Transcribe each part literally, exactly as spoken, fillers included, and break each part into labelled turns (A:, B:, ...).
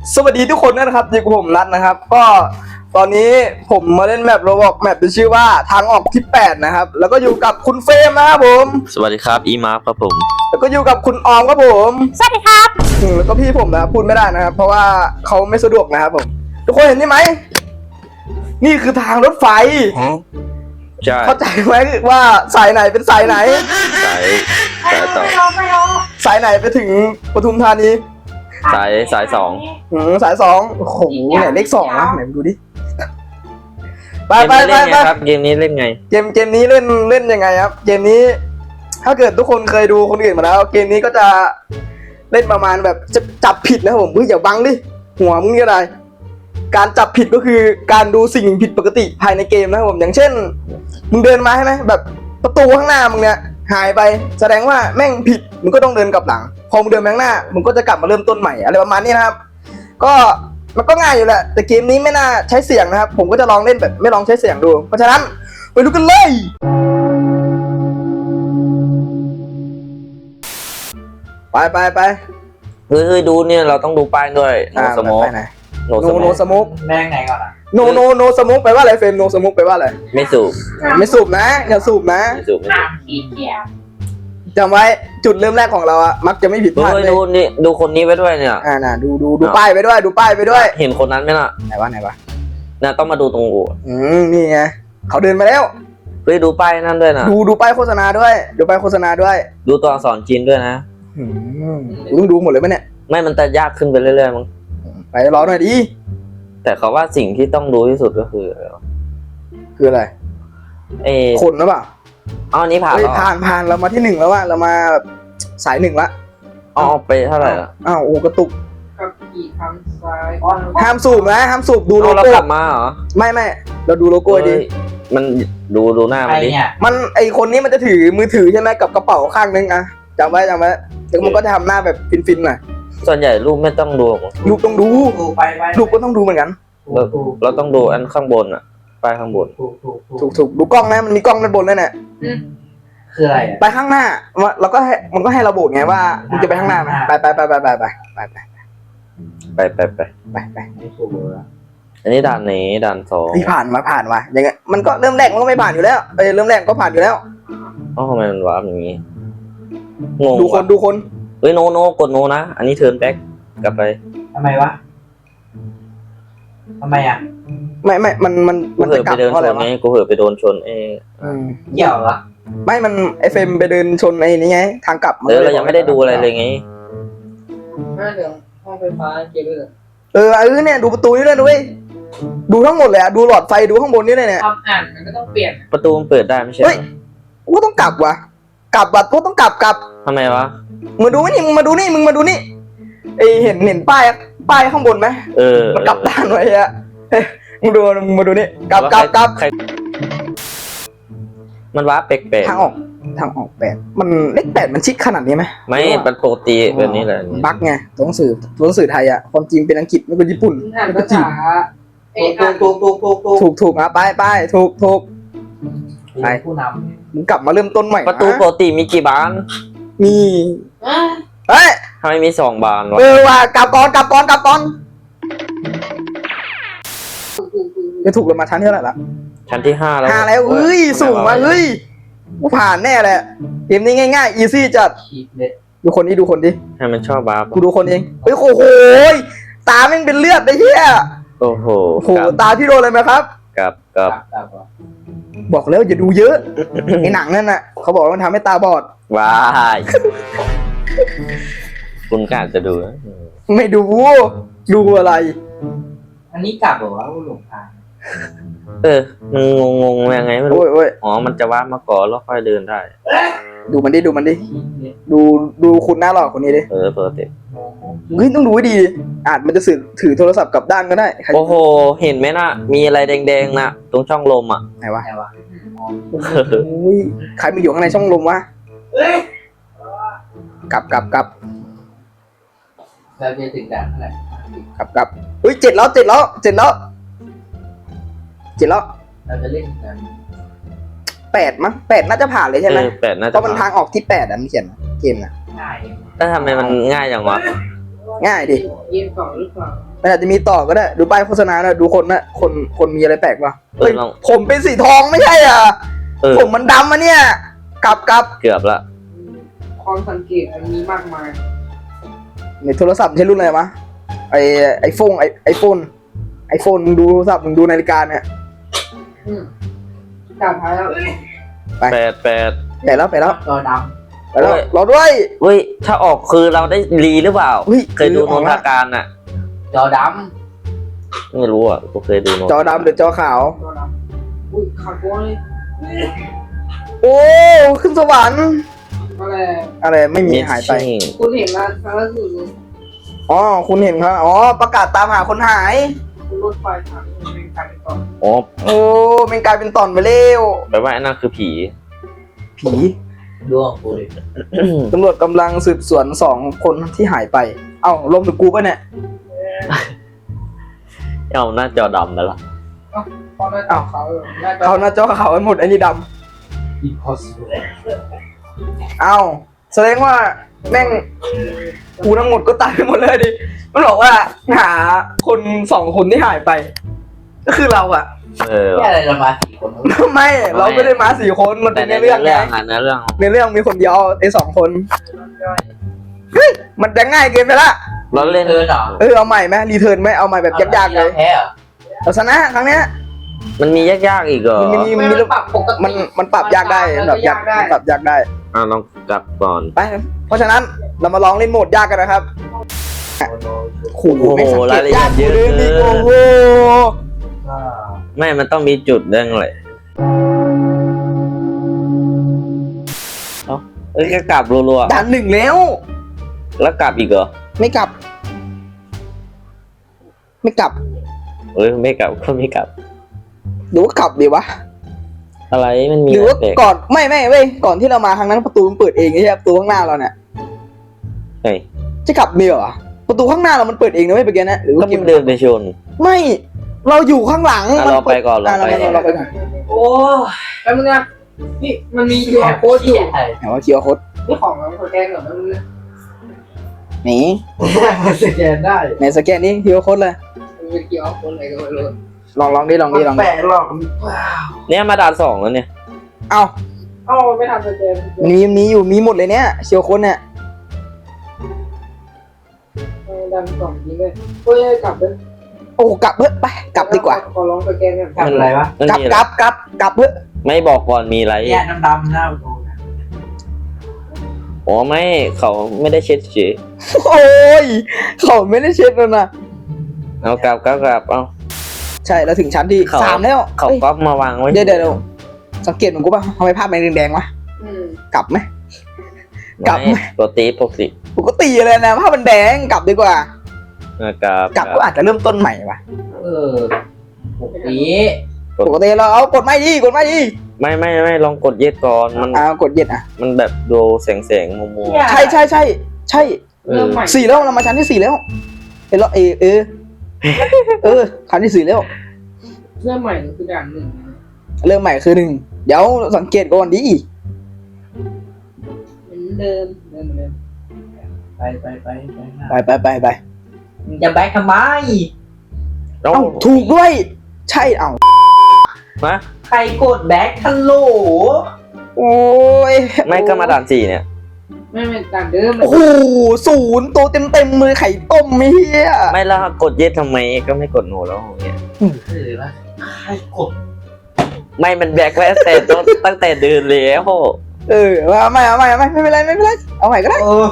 A: สวัสดีทุกคนนะครับอยู่กับผมนัทนะครับก็ตอนนี้ผมมาเล่นแมปโรบอกแมปที่ชื่อว่าทางออกที่แปดนะครับแล้วก็อยู่กับคุณเฟรมนะครับผม
B: สวัสดีครับอีมาร์ครับผม
A: แล้วก็อยู่กับคุณออมครับผม
C: สวัสดีครับ
A: แล้วก็พี่ผมนะพูดไม่ได้นะครับเพราะว่าเขาไม่สะดวกนะครับผมทุกคนเห็นนี่ไหมนี่คือทางรถไฟ
B: ใช่
A: เข้าใจไหมว่าสายไหนเป็นสายไหน
B: สายสายต่อ
A: สายไหนไปถึงปทุมธานี
B: สายสายสอง
A: อืมสายสองโอ้โหไหนเลขสองนะไหนดูดิไปไปไปไป
B: ครับเกมนี้เล่นไง
A: เกมเกมนี้เล่นเล่นยังไงครับเกมนี้ถ้าเกิดทุกคนเคยดูคนอื่นมาแล้วเกมนี้ก็จะเล่นประมาณแบบจะจับผิดนะครับผมเฮ้ยอย่าบังดิหัวมึงนี่อะไรการจับผิดก็คือการดูสิ่งผิดปกติภายในเกมนะครับผมอย่างเช่นมึงเดินมาใช่ไหมแบบประตูข้างหน้ามึงเนี่ยหายไปแสดงว่าแม่งผิดมึงก็ต้องเดินกลับหลังพอมึงเดินไปข้างหน้ามึงก็จะกลับมาเริ่มต้นใหม่อะไรประมาณนี้นะครับก็มันก็ง่ายอยู่แหละแต่เกมนี้ไม่น่าใช้เสียงนะครับผมก็จะลองเล่นแบบไม่ลองใช้เสียงดูเพราะฉะนั้นไปดูกันเลยไปไปไป
B: เฮ้ยเฮ้ยดูเนี่ยเราต้องดูป้ายด้วยโนสโมก
A: โนโนสโมก
D: แม่งไงก่อนอะ
A: โนโนโนสโมกแปลว่าอะไรเฟรมโนสโมกแปลว่าอะไร
B: ไม่สูบ
A: ไม่สูบนะอย่าสูบนะ
B: ไม่สูบไม่สูบ
C: ขี้เกียจ
A: จำไว้จุดเริ่มแรกของเราอะมักจะไม่ผิดพลาดเลย
B: ดูนี่ดูคนนี้ไว้ด้วยเนี่ย
A: อ่าน่ะดูดูดูป้ายไปด้วยดูป้ายไปด้วย
B: เห็นคนนั้นไหมล่ะ
A: ไหนวะไหนวะ
B: น่ะต้องมาดูตรงอู่
A: อืมนี่ไงเขาเดินมาแล้ว
B: เฮ้ยดูป้ายนั่นด้วยนะ
A: ดูดูป้ายโฆษณาด้วยดูป้ายโฆษณาด้วย
B: ดูตัวอักษรจีนด้วยนะ
A: อืมต้องดูหมดเลยไหมเนี่ย
B: ไม่มันจะยากขึ้นไปเรื่อยๆมั้ง
A: ไปรอหน่อยดิ
B: แต่เขาว่าสิ่งที่ต้องดูที่สุดก็คือ
A: คืออะไร
B: เอ
A: คนหรือเปล่า
B: อ๋อนี้ผ่านแล้ว
A: ผ่านผ่านเรามาที่หนึ่งแล้วว่ะเรามาสายหนึ่งละ
B: อ๋อไปเท่าไหร่ละ
A: อ้าวโอ้กระตุก
D: กับกี่ครั้งซ้าย
A: ห้ามสูบนะห้ามสูบดูโลโก้
B: เรากลับมาเหรอ
A: ไม่ไม่เราดูโลโก้ดิ
B: มันดูดูหน้ามันดิ
A: มันไอคนนี้มันจะถือมือถือใช่ไหมกับกระเป๋าข้างนึงอะจำไว้จำไว้แล้วมันก็จะทำหน้าแบบฟินๆหน่อย
B: ส่วนใหญ่รูปไม่ต้องดู
A: รูปต้องดูรูปก็ต้องดูเหมือนกัน
B: เราต้องดูอันข้างบนอะป้ายข้างบน
A: ถูกถูกดูกล้องนะมันมีกล้องด้านบนนั่นแหละ
D: คืออะไร
A: ไปข้างหน้าเราก็ให้มันก็ให้เราโบกไงว่ามึงจะไปข้างหน้าไหมไปไปไปไปไปไปไปไป
B: ไปไปไป
A: ไปไป
B: อันนี้ด่านนี้ด่านสอง
A: ที่ผ่านมาผ่านมาอย่างเงี้ยมันก็เริ่มแรกมันก็ไม่ผ่านอยู่แล้วเออเริ่มแรกก็ผ่านอยู่แล้ว
B: อ๋อทำไมมันวาร์ปอย่างนี้งง
A: ดูคนดูคน
B: เฮ้ยโนโนกดโนนะอันนี้เทิร์นแบ็กกลับไป
D: ทำไมวะทำไมอ่ะ
A: ไม่ไม่มันมัน
B: มันจะกลับเพราะอะไรวะกูเผลอไปโดนชนเอง
D: เกี่ยวเหรอ
A: ไม่มันไอเฟมไปเดินชนไอ้นี่ไงทางกลับ
B: เออเรายังไม่ได้ดูอะไรเลยไง
D: ห้าเดือนห้องไฟฟ้าเก็บเลย
A: เออเออเนี่ยดูประตูนี่เลยด้วยดูทั้งหมดเลยอะดูหลอดไฟดูข้างบนนี่เลยเนี่ย
D: ทำอ่านมันก็ต้องเปลี่ยน
B: ประตูมันเปิดได้ไม่ใช่
A: เฮ้ยกูต้องกลับวะกลับวะกูต้องกลับกลับ
B: ทำไมวะ
A: มึงดูนี่มึงมาดูนี่มึงมาดูนี่ไอเห็นเห็นป้ายป้ายข้างบนไหม
B: เออ
A: มันกลับด้านไว้อะมึงดูมึงมาดูนี่กลับกลับกลับ
B: มันว้าแปลก
A: ๆทางออกทางออกแปดมันเลขแปดมันชิคขนาดนี้ไหม
B: ไม่เป็นปกติแบบนี้แหละ
A: บั๊กไงตัวหนังสือตัวหนังสือไทยอ่ะความจริงเป็นอังกฤษไม่เป็นญี่ปุ่น
D: มันก็จีนถูกถูกถูกถูก
A: ถูกถูกอ่ะไปไปถูกถูก
D: ไปผู้นำ
A: มึงกลับมาเริ่มต้นใหม่
B: ประตูปกติมีกี่บาน
A: มีเฮ้ย
B: ทำไมมีสองบานวะ
A: เออว่ากลับก่อนกลับก่อนกลับก่อนจะถูกเรามาชั้นที่เท่าไหร่ละ
B: ชั้นที่ห้าแล้ว
A: ห้าแล้วเฮ้ยสูงมาเฮ้ยกูผ่านแน่แหละเกมนี้ง่ายๆอีซี่จัดดูคนนี้ดูคนดิ
B: ให้มันชอบบาร์
A: กูดูคนเองเฮ้ยโอ้โหตาแม่งเป็นเลือดไอ้เหี้ย
B: โอ้โห
A: โอ้โหตาพี่โดนเลยไหมครับ
B: กับกับ
A: บอกแล้วอย่าดูเยอะไอ้หนังนั่นน่ะเขาบอกว่ามันทำให้ตาบอด
B: ว้ายคุณกาจะดู
A: ไม่ดูดูอะไร
D: อันนี้กลับหรอวะหลงทาง
B: เออมันงงงยังไงไม่รู้อ๋อมันจะว่ามาก่อนแล้วค่อยเดินได้
A: ดูมันดิดูมันดิดูดูคุณหน้าหล่อคนนี้ดิ
B: เออเปิดติ
A: เฮ้ยต้องดูให้ดีอาจมันจะสื่อถือโทรศัพท์กลับด้านก็ได้
B: โอ้โหเห็นไหมน่ะมีอะไรแดงๆนะตรงช่องลมอ่ะ
A: ไหนวะไหนวะโอ้ยใครมาอยู่ข้างในช่องลมวะกลับกลับกลับ
D: เราจะถึงด่านเท่าไหร่
A: กลับกลับเฮ้ยเจ็ดแล้วเจ็ดแล้วเจ็ดแล้วเจ็ดแล้ว
D: เราจะเล่นกัน
A: แปดมั้งแปดน่าจะผ่านเลยใช่ไหม
B: แปดน่าจะ
A: เพราะมันทางออกที่แปดอันเขียนเกมนะ
D: ง่าย
B: แต่ทำไมมันง่ายอย่างวะ
A: ง่ายดิ
D: เกมต่อหรือเปล่า
A: มันอาจจะมีต่อก็ได้ดูป้ายโฆษณานะดูคนนะคนคนมีอะไรแปลกปะ
B: เอ
A: เฮ้
B: อย ลอง
A: ผมเป็นสีทองไม่ใช่อ่ะ
B: เออ
A: ผมมันดำอะเนี่ยกลับกลับ
B: เกือบละ
D: ความสังเกตมันมีมากมาย
A: ในโทรศัพท์ใช้รุ่นอะไรมะไอไอโฟนไอไอโฟนไอโฟนมึงดูโทรศัพท์มึงดูนาฬิกาเนี่ย
D: อืมจับท้ายแล้ว
B: แปดแปด
A: ไปแล้วไปแล้ว
D: จอด
A: ไปแล้ว
B: โอ้ย
A: รอด้วย
B: เฮ้ยถ้าออกคือเราได้รีหรือเปล่า
A: เฮ้ย
B: เคยดู
A: อ
B: โน
A: อก
B: น
A: ละ
B: ทาการน่ะ
D: ำจอด
B: ไม่รู้อ่ะกูเคยดูโนน
A: จอดำหรือจอขาว
D: ำจอดำอุ้ยขาดตัวเลย
A: โอ้ขึ้นสวรรค์
D: อะไร
A: อะไรไม่มีหายไป
B: ชิ่ง
D: คุณเห็นแล้วครั้งล่าสุดเลย
A: อ๋อคุณเห็นครับอ๋อประกาศตามหาคนหาย
D: คุณรถไฟถามเป็นการไปก่อน
B: อ๋อ
A: โอ้เป็นกลายเป็นตอนไปเร็ว
B: แปลว่าไอ้นั่นคือผี
A: ผี
D: ดวงกูดิ
A: ตำรวจกำลังสืบสวนสองคนที่หายไป เอ้ารวมถึงกูป่ะเนี่ย
B: เอาหน้าจอดำแล้วล่ะ
D: ตอนนั้นเขาน่าจะ
A: เขาหน้าจอขาวกันหมดไอ้นี่ด
D: impossible
A: ำเอ้าแสดงว่าแม่งกูทั้งหมดก็ตายไปหมดเลยดิมันบอกว่าหาคนสองคนที่หายไป ก็คือเราอะ
B: เออ
D: แค่อะไรละมาสี่คน
A: ไม่เราไม่ได้มาสี่คนมัน
B: แต่
A: เป็น
B: ใน
A: ในเรื่องไง
B: เรื่องอ่ะในเรื่อง
A: ในเรื่องมีคนเดียวไอ้สองคนมันจะง่ายเกินไปละ
B: เราเล่น
D: เธอเหรอ
A: เออเอาใหม่ไหมรีเทิร์นไหมเอาใหม่แบบยากๆเลย
D: แพ้เหรอ
A: เราชนะครั้งเนี้ย
B: มันมียากๆอีกเหรอ
A: มันมี
D: ไม่มันปรับปกติ
A: มันมันปรับยากได้แบบยากมันปรับยากได้
B: อ่ะลองกลับก่อน
A: ไป เพราะฉะนั้นเรามาลองเล่นโหมดยากกันนะครับ
B: โอ้โห
A: ไม่สังเก
B: ราย
A: ต
B: ละเอี
A: ยาย ก
B: ดเย
A: กู
B: อะ
A: เลย
B: เกิ
A: นี่โอ้
B: น
A: โห
B: ไม่มันต้องมีจุดเรื่องอะไรเอ้าเอ้ยก็กลับรัว
A: ด่านหนึ่งแล้ว
B: ๆแล้วกลับอีกเหรอ
A: ไม่กลับ ไม่กลับ
B: เอ้ยไม่กลับก็ไม่กลับ
A: หรือว่ากลับดีวะ
B: อะไรมันมี
A: หรือว่า
B: แปลก
A: ก่อนไม่ไม่เว้ยก่อนที่เรามาครั้งนั้นประตูมันเปิดเองใช่ไหมประตูข้างหน้าเราเนี่ย
B: เฮ้ย
A: จะกลับมีเหรอประตูข้างหน้าเรามันเปิดเองนะไม่เมื่อกี้นะหรือ
B: ก็
A: ว่า
B: มันเดินไปชน
A: ไม่ เราอยู่ข้างหลัง
B: อ่ะ
A: มั
B: เราไปก่อน
A: อ่ะ
B: เรา
A: เรา
B: ไป
A: ไป
B: ก่
A: ก่
B: อ
A: อน นเราไปก่อน
D: โอ้แล้วมึงนะนี่มันมียูอาร์โค้ดอยู่
A: แต่ว่าเคียวโคตร
D: นี่ของมันสแกนเหรอมัน
A: หนี
D: สแกนได้
A: ในสแกนนี่เคียวโคตรเลย
D: มันเป็นยูอาร์โค้ดอะไรก็ไม่รู้
A: ลองลองดิลองดิลองดิ
D: แปะหรอก
B: เนี่ยมาด่านสองแล้วเนี่ย
A: เอ้า
D: เอ้าไม่ทำสแกน
A: มีมีอยู่มีหมดเลยเนี่ยเคียวโคตรเนี่ย
D: ดันสองนี้เลยเฮ้ยกลับเลย
A: โอ้กลับเถอะไปกลับดีกว่า
D: ขอร้องสแกนกันกลับอะไรวะ
B: มัน
A: กลับ
B: มีอะไร
A: กลับกลับกลับเถอะ
B: ไม่บอกก่อนมีอะไร
D: แย่ดำๆหน้าประตู
B: อ๋อไม่เขาไม่ได้เช็ดเฉย
A: โอ้ยเขาไม่ได้เช็ดแล้วนะ
B: เอากลับกลับกลับเอา
A: ใช่แล้วถึงชั้นที่
B: เขา
A: สามแล้ว
B: เขา
A: เอ้ย
B: ก็มาวางไว้
A: เดี๋ยวเดี๋ยวเดี๋ยวสังเกตเหมือนกูป่ะทำไมภาพมันแดงๆวะ
D: อืม
A: กลับไหม กลับไหม
B: ไม่ปกติปกติ
A: ปกติเลยนะภาพมันแดงกลับดีกว่า
B: อ่ะกลับ
A: กลับก็อาจจะเริ่มต้นใหม่ว่ะ
D: เออปกติ
A: ปกติเราเอากดไม่ดีกดไม่ดี
B: ไม่ไม่ไม่ลองกดเย็ดก่อนมัน
A: อ่ากดเย็ดอ่ะ
B: มันแบบดูแสงแสงมัวมัว
A: ใช่ใช่ใช่ใช่
B: ๆเอ
D: เริ่
B: อ
D: มใหม่
A: สี่แล้วเรามาชั้นที่สี่แล้วเออเออเออเออชั้นที่สี่แล้ว
D: เริ่มใหม่คือด่านหนึ่ง
A: เริ่มใหม่คือหนึ่งเดี๋ยวสังเกตก่อนดิ
D: เหมือนเดิมเดิมเดิมไปไปไปไป
A: ไปไปไปไป
D: มึงจะแบ็คทำไม
B: เอ้า
A: เอ้าถูกด้วย ใช่เอ้า
B: มา
D: ใครกดแบ็คฮัลโหล
A: โอ้ย
B: ไม่ก็มาด่านสี่เนี่ย
D: ไม่ไม่ด่านเดิม
A: โอ้โหศูนย์ตัวเต็มเต็มๆมือไข่ต้มไม่เฮีย
B: ไม่แล้วกดเย็ดทำไมก็ไม่กดโนแล้วเนี่ย
D: เออละใครกด
B: ไม่มันแบกไว้ตั้งแต่ต้นตั้งแต่เดินแล้ว
A: เออเอาใหม่เอาใหม่เอาใหม่ไม่เป็นไรไม่เป็นไรเอาใหม่ก็ได้
D: เออ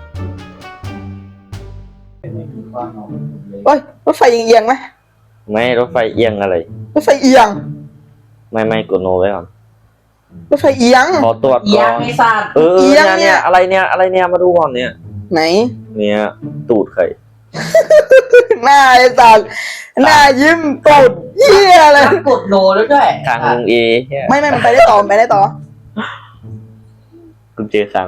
A: เฮ้ยรถไฟเอียงๆไหม
B: ไม่รถไฟเอียงอะไร
A: รถไฟเอียง
B: ไม่ไม่กดโนไว้ก่อน
A: รถไฟเอียง
B: ขอตรวจ
D: เอี
B: ก่
D: ย
B: อง น
D: ไม่ทราบ
B: เออ
A: เอี
B: เนี่ย
A: งเนี่
B: เนี่ย ยอะไรเนี่ยอะไรเนี่ยมาดูก่อนเนี่ย
A: ไหน
B: เนี่ยตูดไข่
A: หน้าไอ้สัตว์หน้ายิ้มตูดเฮียอะไร
D: กดโนแล้วด้วย
B: ทางลุงเอเนี่ย
A: ไม่ไม่มันไปได้ต่อมันไปได้ต่อ
B: คุณเจสัง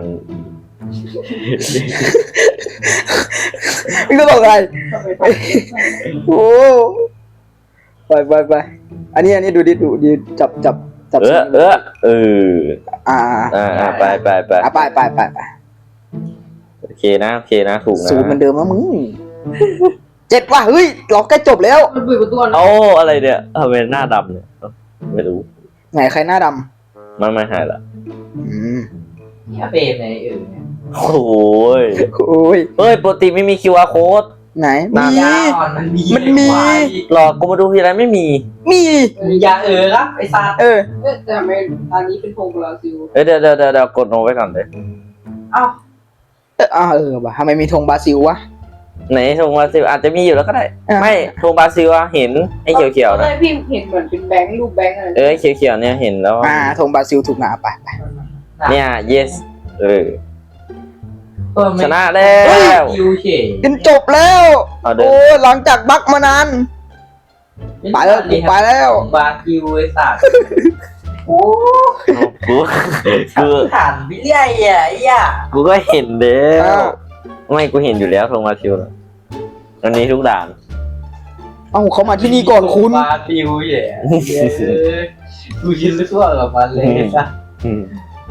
A: มึงจะบอกอะไรโอ้ไปไปไปอันนี้อันนี้ดูดิดูดิจับจับจับ
B: เออเออเออ
A: อ่า
B: อ่าอ่าไปไปไป
A: อ่าไปไปไปไป
B: เคนะโอเคนะถูกนะ
A: ศูนย์เหมือนเดิมนะมึงเจ็ดว่ะเฮ้ยเราใกล้จบแล้ว
D: มันเปิดประตูนะ
B: โอ้อะไรเนี่ยทำไมหน้าดำเนี่ยเอ้าไม่รู้
A: ไหนใครหน้าด
B: มันไม่หายละ
A: ำอืม
D: เนี่ยเป็นในเออเนี่ย
B: โอ้ย
A: โอ้ย
B: เฮ้ยปกติไม่มี คิว อาร์ code
A: ไหน
B: นั่
A: มี
B: น
D: ยาอ่อนมันมี
A: มันมี
B: หลอกกูมาดูทีไรไม่มี
A: มี
D: มียาเออครับไอ้สัตว์
A: เออ
D: เอ๊ะแต่ทำไมอันนี้เป็นธงบราซิล
B: เอ้ยเดี๋ยวเดี๋ยวเดี๋ยวเดี๋ยวกดโนไว้ก่อนเลย
D: อ้าว
A: เอออ่าเออว่ะทำไมมีธงบราซิลวะ
B: ไหนธงบราซิลอาจจะมีอยู่แล้วก็ได้
A: อ่ะ
B: ไม่ธงบราซิลอะเห็นไอ้เขียวๆ
D: ตอ
B: นะ
D: นแรกพี่เห็นเหมือนเป็นแบงค์รูปแบงค์อะไร
B: เออไอ้เขียวๆเนี่ยเห็นแล้ว
A: อ่าธงบราซิลถูกหนาไปไป
B: เนี่ย yes เออ
D: เออไม่
B: ชนะแล้ว
D: คิวเฉย
A: กินจบแล้ว
B: เอาเดิน
A: โอ้ยหลังจากบักมานานไปแล้วกูไปแล้ว
D: บาคิวไอ้สัตว์โอ้
B: กู
D: ฉัน
B: กู
D: ผ่านไปเรื่อยอ่ะไอ้ย่า
B: กูก็เห็นเด้วไม่กูเห็นอยู่แล้วธงบราซิลน่ะอันนี้ทุกด่าน
A: เอ้าเขามาที่นี่ก่อนคุณ
D: บาคิวแย่เออกูยินรู้ว่ากับมันเลยสัตว์
B: อืม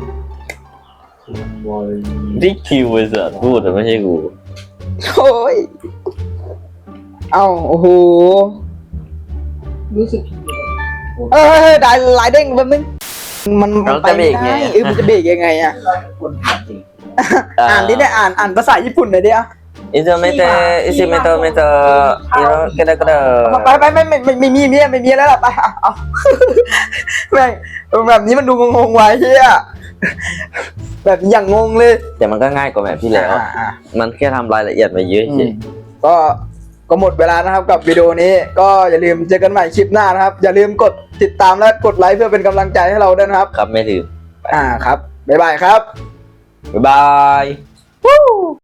B: ที่คิวไอ้สัสพูดแต่ไม่ใช่กู
A: โอ้ยเอ้าโอ้โห
D: รู้สึก
A: เออได้หลายเด้งแบบนึงมันมันไปไม่ได้เออมันจะเบรกยังไงอ่ะ
D: คนผ่านจริง
A: อ่านดิเนี่ยอ่านอ่านภาษาญี่ปุ่นหน่อยดิอ่ะ
B: อินเตอร์เมเตอร์อินเตอร์เมเตอร์เมเตอร์อินเตอร์กระเดกระเด
A: ไปไปไม่ไม่ไม่ไม่มีเนี่ยไม่มีแล้วล่ะไปเอาเอาแม่งแบบนี้มันดูงงๆไว้เฮียแบบอย่างงงเลย
B: แต่มันก็ง่ายกว่าแบบที่แล้ว
A: อ่าอ่า
B: มันแค่ทำรายละเอียดมาเยอะเฉย
A: ก็ก็หมดเวลานะครับกับวิดีโอนี้ก็อย่าลืมเจอกันใหม่คลิปหน้านะครับ อย่าลืมกดติดตามและกดไลค์เพื่อเป็นกำลังใจให้เราด้วยนะครับ
B: ครับไม่ถือ
A: อ่าครับบ๊ายบายครับ
B: บ๊ายบาย